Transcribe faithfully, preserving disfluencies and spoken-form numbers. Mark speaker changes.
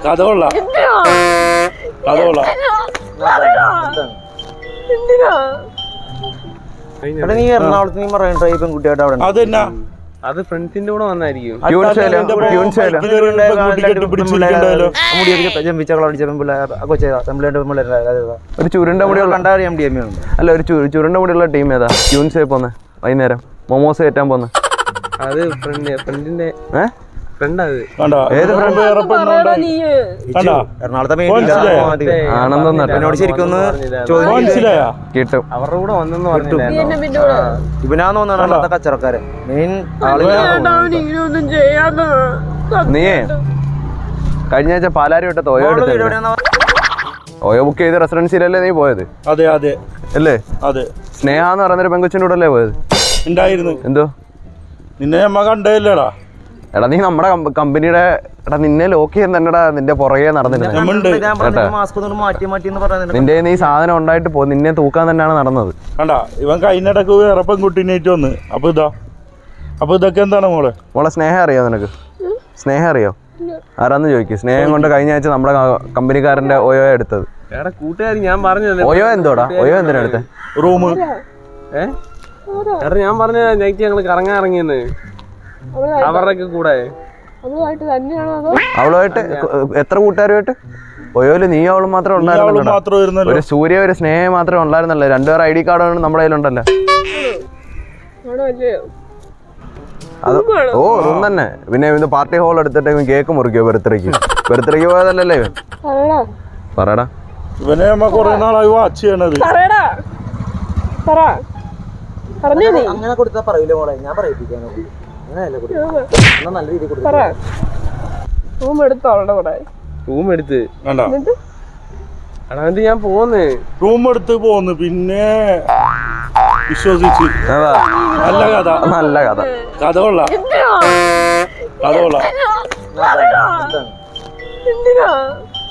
Speaker 1: കഥ കൊള്ളാം കഥ കൊള്ളാം
Speaker 2: നീ എറണാകുളത്ത് നീ മറൈൻ ഡ്രൈവ് പെൺകുട്ടിയായിട്ട് അവിടെ
Speaker 1: അതെന്നാ
Speaker 3: അത് ഫ്രണ്ട്സിന്റെ കൂടെ വന്നായിരിക്കും
Speaker 2: ഒരു ചുരുണ്ട മുടിയുള്ള
Speaker 4: അല്ല ഒരു ചുരുണ്ട മുടിയുള്ള ടീം ഏതാ ട്യൂൺസ് പോന്നെ വൈകുന്നേരം മൊമോസ് കയറ്റാൻ പോന്നെ
Speaker 3: അത് ഫ്രണ്ട് ഫ്രണ്ടിന്റെ
Speaker 4: ഏഹ്
Speaker 3: ഫ്രണ്ട് അത്
Speaker 4: ഏത് ഫ്രണ്ട്
Speaker 2: ആണെന്നോട് ശരിക്കും
Speaker 4: കിട്ടും
Speaker 3: അവരുടെ കൂടെ വന്നെന്ന് പറഞ്ഞു
Speaker 2: ഇവനാന്ന് തോന്നുന്നു കച്ചവടക്കാരൻ മെയിൻ
Speaker 4: നീയേ കഴിഞ്ഞ ആഴ്ച പാലാരി വിട്ട ഓയോ എടുത്ത ഓയോ ബുക്ക് ചെയ്ത് റെസിഡൻസിയിലല്ലേ നീ പോയത്?
Speaker 1: അതെ അതെ
Speaker 4: അല്ലേ?
Speaker 1: അതെ.
Speaker 4: സ്നേഹ എന്ന് പറയുന്നൊരു പെങ്കൊച്ചിൻ്റെ കൂടെ അല്ലേ പോയത്?
Speaker 1: ഉണ്ടായിരുന്നു.
Speaker 4: എന്തോ
Speaker 1: നിന്നെ നമ്മ കണ്ടല്ലേടാ?
Speaker 4: എടാ നീ നമ്മുടെ കമ്പനിയുടെ എടാ നിന്നെ ലോക്ക് ചെയ്യാൻ തന്നെടാ നിന്റെ പുറകെ നടന്നില്ല. നിന്റെ നീ സാധനം ഉണ്ടായിട്ട് പോ നിന്നെ തൂക്കാൻ തന്നെയാണ് നടന്നത്.
Speaker 1: കണ്ടാ ഇവൻ കഴിഞ്ഞിടക്ക് വേറെ പെൺകുട്ടീനേറ്റ് വന്ന്. അപ്പൊ ഇതാ അപ്പൊ ഇതൊക്കെ എന്താണ് മോളെ?
Speaker 4: മോളെ സ്നേഹം അറിയോ നിനക്ക്? സ്നേഹം അറിയോ? ആരാന്ന് ചോദിക്കും. സ്നേഹം കൊണ്ട് കഴിഞ്ഞ ആഴ്ച നമ്മുടെ കമ്പനിക്കാരന്റെ ഓയോ എടുത്തത്.
Speaker 3: കൂട്ടുകാരി ഞാൻ പറഞ്ഞത്
Speaker 4: ഓയോ എന്തോടാ? ഓയോ എന്തിനാ എടുത്തേ?
Speaker 1: റൂം
Speaker 3: ഏഹ് ഞാൻ പറഞ്ഞ നൈറ്റ് ഞങ്ങള് കറങ്ങാൻ ഇറങ്ങിയെന്ന് അവരുടെ കൂടെ.
Speaker 4: അവളുമായിട്ട് എത്ര കൂട്ടുകാരുമായിട്ട്? ഓയോയില് നീ അവളും മാത്രമേ ഉണ്ടായിരുന്നുള്ളൂ. ഒരു സൂര്യ ഒരു സ്നേഹം മാത്രമേ ഉണ്ടായിരുന്നല്ലോ. രണ്ടുപേർ ഐ ഡി കാർഡ് നമ്മുടെ കയ്യിലുണ്ടല്ലോ. അത് ഓ റൂം തന്നെ. പിന്നെ ഇവന് പാർട്ടി ഹോൾ എടുത്തിട്ട് ഇവൻ കേക്ക് മുറിക്കോ ബർത്ത്ഡേക്ക്? ബർത്ത്ഡേക്ക് പോയതല്ലേ ഇവൻ? പറയടാ.
Speaker 1: ഇവനെ നമ്മ കൊറേ നാളായി വാച്ച് ചെയ്യണത്.
Speaker 2: അങ്ങനെ കൊടുത്താ പറയൂലേ മോളെ? ഞാൻ പറയിപ്പിക്കാനോ? നല്ല രീതിയിൽ
Speaker 3: റൂം എടുത്തു അവളുടെ കൂടെ. റൂം എടുത്ത് എടാ ഞാൻ പോന്ന്
Speaker 1: റൂം എടുത്ത് പോന്ന്. പിന്നെ വിശ്വസിച്ച് നല്ല കഥ.
Speaker 4: നല്ല കഥ.
Speaker 1: കഥ കൊള്ളാം കഥ കൊള്ളാം.